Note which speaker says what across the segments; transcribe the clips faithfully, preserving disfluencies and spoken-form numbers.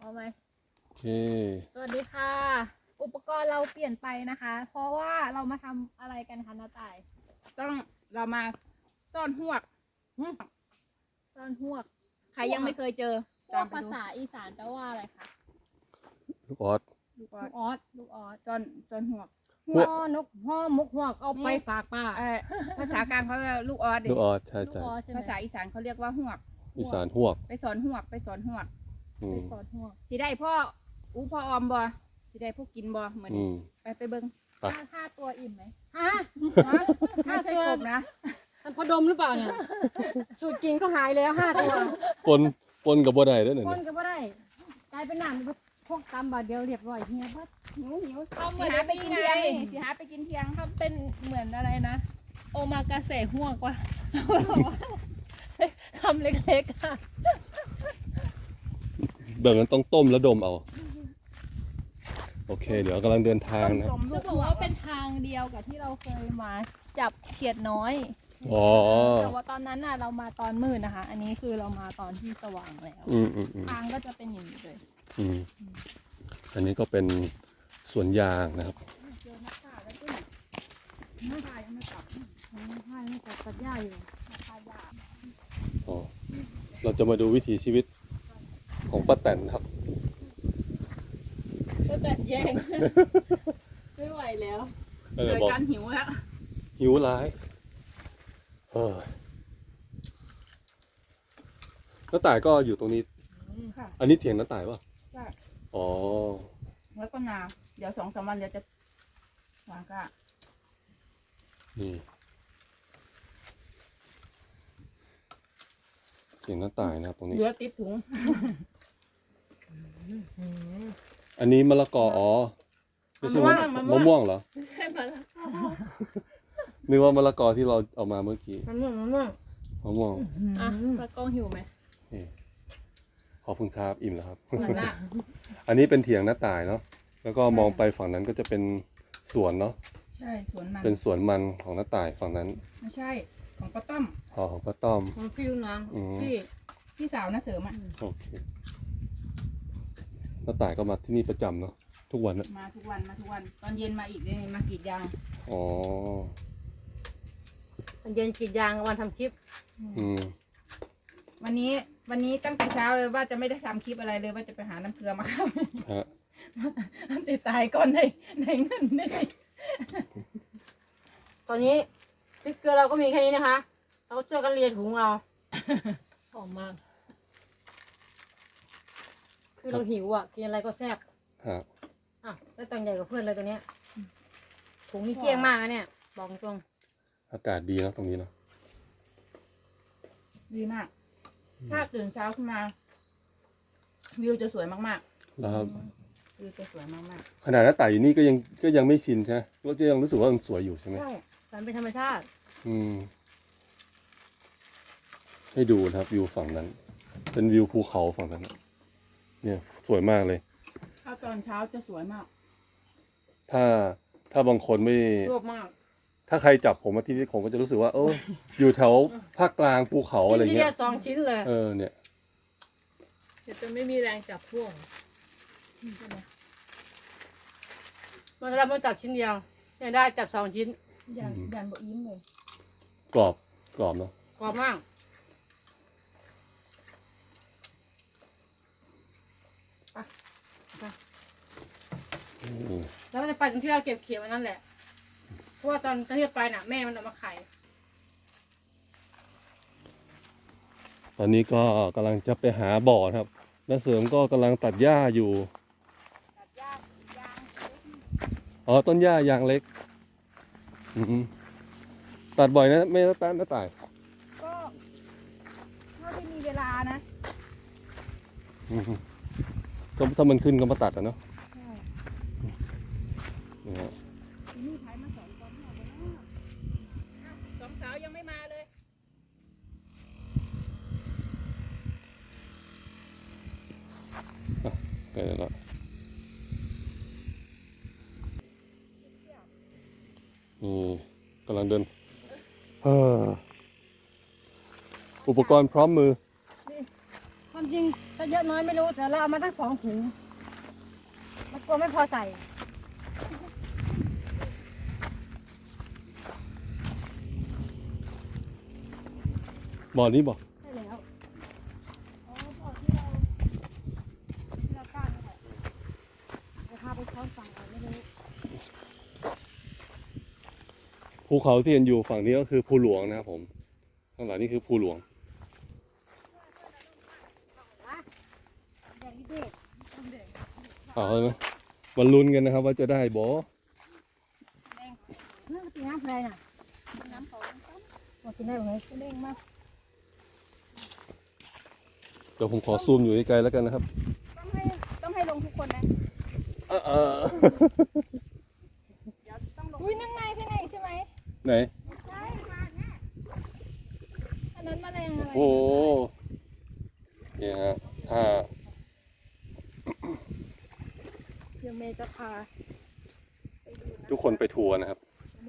Speaker 1: เอาไหม
Speaker 2: โอเค
Speaker 1: สวัสดีค่ะอุปกรณ์เราเปลี่ยนไปนะคะ เพราะว่าเรามาทำอะไรกันคะน้าต่าย
Speaker 3: ต้องเรามาซ่อนหวก
Speaker 1: ซ่อนหวก
Speaker 3: ใครยังไม่เคยเจอ
Speaker 1: พวกภาษาอีสานแปลว่าอะไรคะ
Speaker 2: ลูกออส
Speaker 1: ลูกออสลูกออส
Speaker 3: ซ่อนซ่อนหวก
Speaker 1: ห่อนกห่อมุกหวกเอาไปฝากป้า
Speaker 3: ภาษากลางเขาเรียกลูกออส
Speaker 2: ลูกออสใช่ใช่
Speaker 3: ภาษาอีสานเขาเรียกว่าหวก
Speaker 2: อีสานหวก
Speaker 3: ไปสอนหวกไปสอนหวก
Speaker 1: ไปสอนหวก
Speaker 3: สิได้พ่ออู้พ่อออมบ่สิได้พวกกินบ่เหมือนไปไปเบิ้ง
Speaker 1: ห้าห้าตัวอิ่มไหม
Speaker 3: ฮะไม่ใช่กบนะ
Speaker 1: มันพอดมหรือเปล่าเนี่ยสูตรกินก็หายแล้วห้าตัว
Speaker 2: ปนปนกับบัวได้ด้วยหนึ่ง
Speaker 1: ปนกับบัวได้กลายเป็นหนามพวกตำบาดเดียวเรียบร้อยเฮียเบิด
Speaker 3: หิวหิวทำเหมือนไปกินเที่ยงสิหาไปกินเที่ยง
Speaker 1: ทำเป็นเหมือนอะไรนะโอมากาเสะห่วงกว่าคำเล็กๆค่ะ
Speaker 2: แบบนั้นต้องต้มแล้วดมเอาโอเคเดี๋ยวกำลังเดินทางนะ
Speaker 1: จะบอกว่าเป็นทางเดียวกับที่เราเคยมาจับเขียดน้อย
Speaker 2: อ๋อ
Speaker 1: แต่ว่าตอนนั้นน่ะเรามาตอนมืดนะคะอันนี้คือเรามาตอนที่สว่างแล้วทางก็จะเป็นอย่างนี้เลย
Speaker 2: อืมอันนี้ก็เป็นสวนยางนะครับอ๋อเราจะมาดูวิถีชีวิตของป้าแตนครับ
Speaker 1: ป้าแตนแย่งไม่ไหวแล้ว
Speaker 3: เกิดการหิวแล้ว
Speaker 2: หิวร้ายเออน้าต่ายก็อยู่ตรงนี้อันนี้เถียงน้าต่ายป่ะ
Speaker 3: ใช่
Speaker 2: อ๋อ
Speaker 3: แล้วก็นาเดี๋ยวสองสามวันเดี๋ยวจะวางก้า
Speaker 2: นี่เถียงน้าต่ายนะครับตรงนี้
Speaker 3: เหลือติดถุง
Speaker 2: อันนี้มะละกออ๋อไม่ใช่มะม่วงเหรอ
Speaker 1: ไม่ใช่มะละกอ
Speaker 2: นึกว่ามะละกอที่เราเอามาเมื่อกี้
Speaker 3: มะม่วงมะม่วง
Speaker 2: มะม่วง
Speaker 1: อ่ะตะกองหิวไหม
Speaker 2: ขอบคุณครับอิ่มแล้วครับอันนี้เป็นเถียงหน้าต่ายเนาะแล้วก็มองไปฝั่งนั้นก็จะเป็นสวนเนาะ
Speaker 3: ใช่สวนมัน
Speaker 2: เป็นสวนมันของหน้าต่ายฝั่งนั้น
Speaker 3: ไม่ใช่ของป้าต้อม
Speaker 2: อ๋อของป้าต้อม
Speaker 3: ของพี่น้องพี่พี่สาวน้าเสริมอ่ะ
Speaker 2: โอเคหน้าต่ายก็มาที่นี่ประจำเนาะทุกวันนะ
Speaker 3: มาทุกวันมาทุกวันตอนเย็นมาอีกเลยมากรีดยาง
Speaker 2: อ๋อ
Speaker 1: ตอนเย็นกรีดยางวันทำคลิป
Speaker 2: อืม
Speaker 3: วันนี้วันนี้ตั้งแต่เช้าเลยว่าจะไม่ได้ทำคลิปอะไรเลยว่าจะไปหาน้ำเกลือมาครับฮะจะตายก่อนในในเงินได้
Speaker 1: ตอนนี้พริกเกลือเราก็มีแค่นี้นะคะเราช่วยกันเรียนถุงเราหอมมากคือเราหิวอ่ะกินอะไรก็แซ่บ
Speaker 2: ฮะ
Speaker 1: อ่ะแล้วตังใหญ่กับเพื่อนเลยตัวเนี้ยถุงนี่เกลี้ยงมากนะเนี่ยบอกตรง
Speaker 2: อากาศดีนะตรงนี้เนาะ
Speaker 3: ดีมากถ้าตื่นเช้าขึ้นมาวิวจะสวยมาก
Speaker 2: ๆแล้ว
Speaker 3: วิวจะสวยมาก
Speaker 2: ๆขนาดหน้าต่ายอยู่นี่ก็ยังก็ยังไม่ชินใช่ไหมเราจะยังรู้สึกว่ามันสวยอยู่ใช่ไหม
Speaker 1: ใช่มันเป็นธรรมชาติ
Speaker 2: อืมให้ดูนะครับวิวฝั่งนั้นเป็นวิวภูเขาฝั่งนั้นเนี่ยสวยมากเลย
Speaker 3: ถ้าตอนเช้าจะสวยมาก
Speaker 2: ถ้าถ้าบางคนไม่
Speaker 3: รอบมาก
Speaker 2: ถ้าใครจับผมมาที่นี่ผมก็จะรู้สึกว่าเอออยู่แถวภาคกลางภูเขาอะไรเงี้ย
Speaker 1: สองชิ้นเลย
Speaker 2: เออเนี่ย
Speaker 1: เดี๋ยวจะไม่มีแรงจับพ่วงมันเราไม่จับชิ้นเดียวยังได้จับสองชิ้น
Speaker 3: ยันยันบะอิ่มเลย
Speaker 2: กรอบกรอบเนาะ
Speaker 1: กรอบมากแล้วก็จะไปตรงที่เราเก็บเขียวนั่นแหละเพราะว่าตอนที่ไปน่ะแม่มันเอามาไข่
Speaker 2: ตอนนี้ก็กำลังจะไปหาบ่อครับน้าเสริมก็กำลังตัดหญ้าอยู่
Speaker 3: ตัดหญ้ายาง
Speaker 2: อ๋อต้นหญ้ายางเล็กอืมตัดบ่อยนะไม่ตัดน้าต่าย
Speaker 3: ก็เท่าที่มีเวลานะ
Speaker 2: ก็ถ้ามันขึ้นก็มาตัดอ่ะเนาะ
Speaker 3: นี่ถ่ายมาสองคนสองสาวยังไม่มาเลย
Speaker 2: ไปแล้วนี่กำลังเดินอุปกรณ์พร้อมมือ
Speaker 1: คอน
Speaker 4: ความจริงจะเยอะน้อยไม่รู้แต่เราเอามาตั้งสองถุงมันกลัวไม่พอใส่
Speaker 2: บ่อนี้บ่
Speaker 4: ใช่แล้วอ๋อบ่อที่เราที่เรากล้านี่แหละจะพาไปช้อนฝั่งอะไรไม่รู้
Speaker 2: ภูเขาที่เห็นอยู่ฝั่งนี้ก็คือภูหลวงนะครับผมข้างหลังนี่คือภูหลวง
Speaker 4: แดงนี่เด็ก
Speaker 2: เอาเลยมาลุ้นกันนะครับ ว่าจะได้บ่
Speaker 4: เรื่องตีน้ำอะไรน่ะน้ำเขามากินได้ไหมเด้งมาก
Speaker 2: เดี๋ยวผมขอซูมอยู่ไกลๆแล้วกันนะครับ
Speaker 3: ต้องให้ต้องให้ลงทุกคนนะ
Speaker 2: เออเออ
Speaker 3: เดี๋ยวต้องลง
Speaker 1: อุ้ยนั่นไงพี่ไหนใช่ไหม
Speaker 2: ไหน
Speaker 3: ใช่มาแน่
Speaker 1: อันนั้นแมลงอะไร
Speaker 2: โอ้นี่ฮะถ้า
Speaker 1: เดี๋ยวเมย์จะพา
Speaker 2: ทุกคนไปทัวร์นะครับ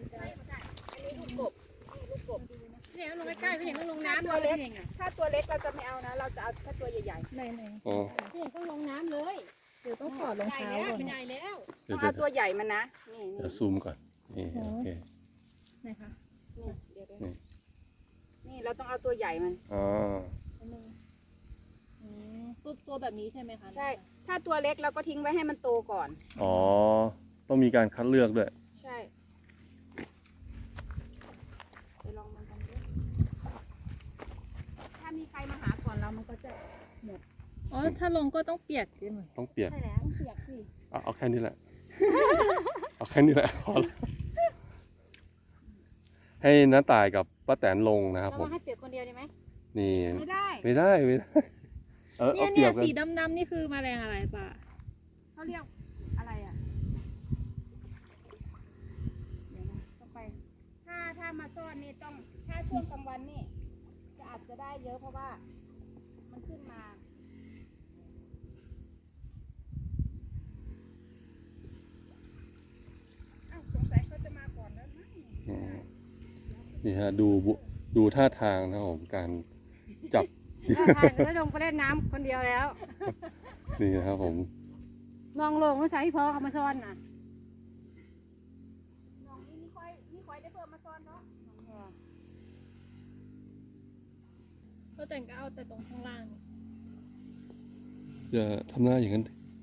Speaker 4: เนี่ยลงใกล้ๆพี่เห็นต้องลงน้ำ
Speaker 3: ตัว
Speaker 4: เลย
Speaker 3: เล็ก
Speaker 4: พี่เองอ่ะ
Speaker 3: ถ้าตัวเล็กเราจะไม่เอานะ เราจะเอาแค่ตัวใหญ่
Speaker 1: ไหนไหน
Speaker 2: อ๋อ
Speaker 4: พี่เห็นต้องลงน้ำเลย
Speaker 1: เดี๋ยวต้องถอดรอง
Speaker 4: ใหญ่
Speaker 1: เท้า
Speaker 4: แล้ว
Speaker 1: ก่อน
Speaker 4: เป็นใหญ่แล้ว
Speaker 3: ๆ
Speaker 2: เดี๋
Speaker 3: ต้
Speaker 2: ย
Speaker 3: อ
Speaker 2: ว
Speaker 3: งเอาตัวใหญ่มันนะ นี่
Speaker 2: เดี๋
Speaker 3: นี่
Speaker 2: ยวซูมก่อน นี่โอเค
Speaker 1: ไหนคะ
Speaker 3: นี่เดี๋ยวเดี๋ยว
Speaker 2: นี่
Speaker 3: นี่เราต้องเอาตัวใหญ่มัน
Speaker 2: อ๋อ
Speaker 1: อันนึงอืมตัวตัวแบบนี้ใช่ไหมคะ
Speaker 3: ใช่ ถ้าตัวเล็กเราก็ทิ้งไว้ให้มันโตก่อน
Speaker 2: อ๋อ ต้องมีการคัดเลือกด้วย
Speaker 3: ใช่ไปลองมันกันดูถ้ามีใครมาหาก่อนเรามันก็จะ
Speaker 1: อ๋อถ้าลงก็ต้องเปียกดิหน่อย
Speaker 2: ต้องเปียก
Speaker 4: ใช่แล้วเปียกสิ
Speaker 2: เอาเอาแค่นี้แหละ เอาแค่นี้แหละพอแล้วให้น้าตายกับป้าแตนลงนะครับ
Speaker 4: เรา
Speaker 2: ผม
Speaker 4: ให้เปียกคนเดียวได้ไหม
Speaker 2: นี่
Speaker 3: ไม่ได้
Speaker 2: ไม่ได้ไม่ได้ เออ
Speaker 1: เนี่
Speaker 2: เอา
Speaker 1: ย
Speaker 2: เปรี
Speaker 1: เนี่ย ย
Speaker 2: บกัน
Speaker 1: สีดำๆนี่คือแมลงอะไรป่ะ
Speaker 3: เขาเรียกอะไรอ่ะเดี๋ยวนะต้องไป ถ้าถ้ามาซ่อนนี่ต้อง ถ้าช่วงกลางวันนี่จะอาจจะได้เยอะเพราะว่า มันขึ้นมาอ้าวสงสัยเขาจะมาก่อนแล้วมั้ง
Speaker 2: อืมนี่ฮะดูบุดูท่าทางนะครับผมการจับ
Speaker 4: ถ้าทานก็ลงไปเล่นน้ำคนเดียวแล้ว
Speaker 2: นี่นะครับผม
Speaker 4: น้องลงไม่ใช่พี่พอเขามาซ้อนน่ะ
Speaker 3: น้องนี่นี่ค่อยนี่ค่อยได้เพิ่มมาซ่อนเนาะ
Speaker 1: ก็แต่งก็เอาแต่ตรงข้างล่าง
Speaker 2: อย่าทำหน้าอย่างนั้น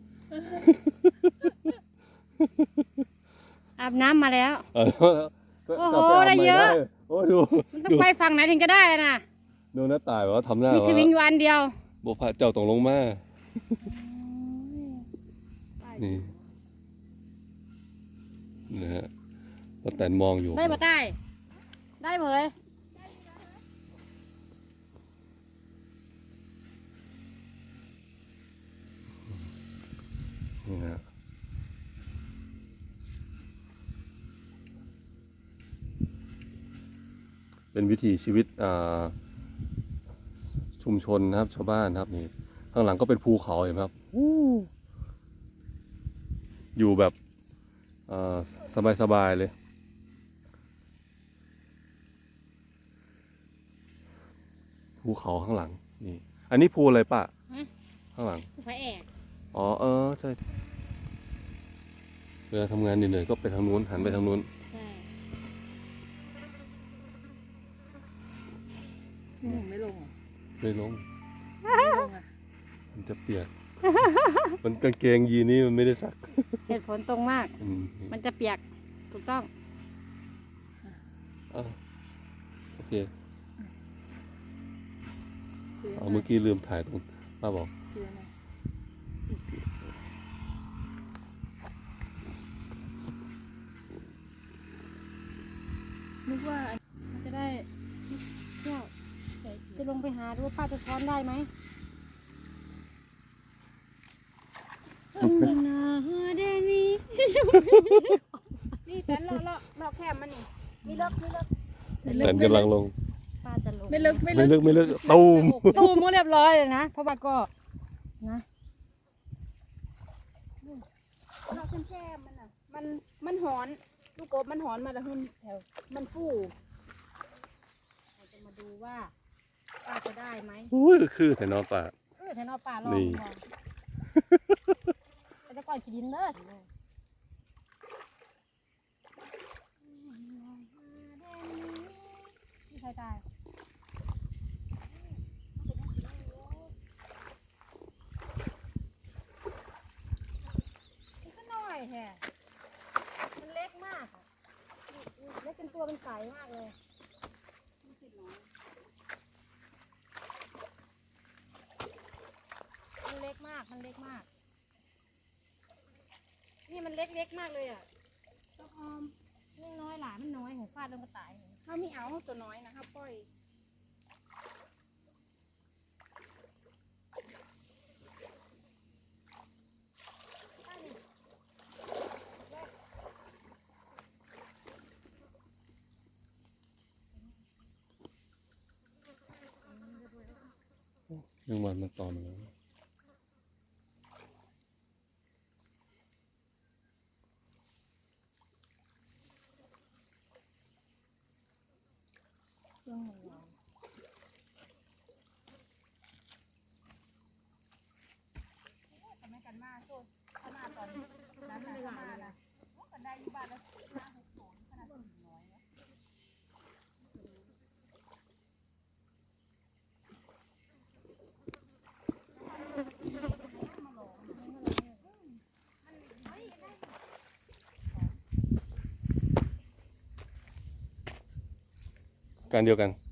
Speaker 4: อาบน้ำมาแล้ว
Speaker 2: เออก็
Speaker 4: โอ้โห
Speaker 2: ก็ปา
Speaker 4: ได้เยอะ
Speaker 2: โอ้ดู
Speaker 4: มันต้องไปฝั่งไหนถึงจะได้น่ะ
Speaker 2: ดูน้าตายว่าทำหน้า
Speaker 4: มีส
Speaker 2: ว่า
Speaker 4: วิงอยู่อันเดียว
Speaker 2: โบพระเจ้าตรงลงมา นี่นะฮะป้าแตนมองอยู่
Speaker 4: ได้ปะได้ ได้เหมย
Speaker 2: นี่ฮะเป็นวิถีชีวิตอ่าชุมชนนะครับ ชาวบ้านนะครับนี่ข้างหลังก็เป็นภูเขาเห็นไหมครับอยู่แบบสบายๆเลย ภูเขาข้างหลังนี่ อันนี้ภูอะไรป่ะข้างหลัง
Speaker 4: สุภาแอก
Speaker 2: อ๋อเออใช่เวลาทำงานเหนื่อยๆก็ไปทางนู้นหันไปทางนู้น
Speaker 4: ใช่
Speaker 1: หนูไม่ลงเหรอ
Speaker 2: ไม่ลง
Speaker 1: ไม่ลงอ่ะ
Speaker 2: มันจะเปียก มันกางเกงยีนนี่มันไม่ได้ซัก
Speaker 4: เหตุผลตรงมาก
Speaker 2: อืม
Speaker 4: มันจะเปียก ถูกต้อง
Speaker 2: อ่ะโอเค
Speaker 1: คือ
Speaker 2: เอาเมื่อกี้ลืมถ่ายตรงป้าบอก
Speaker 1: คืออะไรนึกว่าอัน
Speaker 4: มันจะได้เที่ยวจะลงไปหาดูว่าป้าจะช้อนได้ไหมนาเดนี่
Speaker 3: นี่แต่เลาะเลาะเลาะแคมมันนี่มีเลิกมีเลิก
Speaker 2: แต่กำลังลง
Speaker 4: ป้าจะลง
Speaker 1: ไม่ลึกไม่
Speaker 2: ไม่
Speaker 1: ลึ
Speaker 2: ลึ
Speaker 1: ก
Speaker 2: กไม่ลึกตูม
Speaker 4: ตูมเรียบร้อยเลยนะ เพราะว่าก็นะ
Speaker 3: เลาะแคมแคมมันอ่ะ มันมันหอนลูกกบมันหอนมาแล้วหุ่นแถวมันฟู
Speaker 4: เราจะมาดูว่าป้าจะได้ไหม
Speaker 2: อุ้ยคือแต่นอนป่า
Speaker 3: เอ
Speaker 4: แถวนอป่าลอง
Speaker 2: นี่
Speaker 4: มองไปจะก่อยกินดินเด้อที่ใครตายมันก็น้อยแฮะมันเล็กมากอะเล็กจนตัวมันใสมากเลยมันเล็กมากมันเล็กมากนี่มันเล็กเล็กมากเลยอ่ะต้องออมเล็กน้อยหลานมันน้อยของฟาดลงกระต่าย
Speaker 3: เขามีเอาตัวน้อยนะครับปล่อย
Speaker 2: แมงวันมันตอมแล้ว
Speaker 1: เครื่องมันร้อน
Speaker 3: ทำให้กันมาโซดขนาดตอนนั้นไม่ได้มานะกันได้ยี่บาทแล้วห้าหกสองขนาดสี่ร้อยนะ
Speaker 2: การเดียวกัน